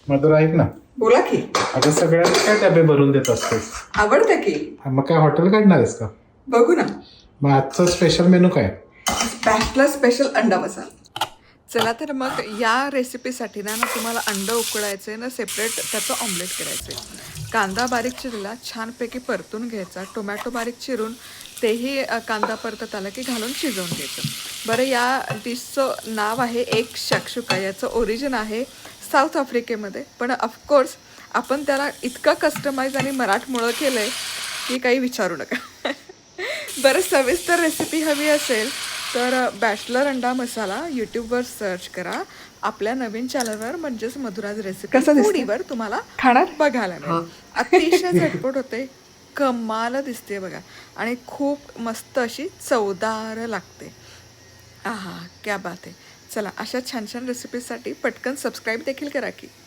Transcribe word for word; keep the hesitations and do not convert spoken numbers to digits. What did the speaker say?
मधुरा ऐक ना, बोला की. अगं सगळ्यांना काय डबे भरून देत असतेस? आवडतं की. मग काय हॉटेल काढणार आहेस का? बघू ना. मग आजचं स्पेशल मेनू काय? बॅचलर स्पेशल अंडा मसाला. चला तर मग या रेसिपीसाठी ना ना तुम्हाला अंड उकळायचं आहे ना, सेपरेट त्याचं ऑमलेट करायचं आहे. कांदा बारीक चिरला छानपैकी परतून घ्यायचा, टोमॅटो बारीक चिरून तेही अ, कांदा परतत आला की घालून शिजवून घ्यायचं. बरं, या डिशचं नाव आहे एक शाक्षुका. याचं ओरिजिन आहे साऊथ आफ्रिकेमध्ये, पण ऑफकोर्स आपण त्याला इतकं कस्टमाइज आणि मराठमोळं केलं आहे की काही विचारू नका. बरं, सविस्तर रेसिपी हवी असेल तर बॅचलर अंडा मसाला यूट्यूबवर सर्च करा. आपल्या नवीन चॅनलवर म्हणजेच मधुराज रेसिपी कसं दिसतंय? फूडीवर तुम्हाला खाणार? बघायला मिळेल. अतिशय झटपट होते, कमाल दिसते बघा, आणि खूप मस्त अशी चवदार लागते. आहा, क्या बात आहे. चला, अशा छान छान रेसिपीसाठी पटकन सबस्क्राईब देखील करा की.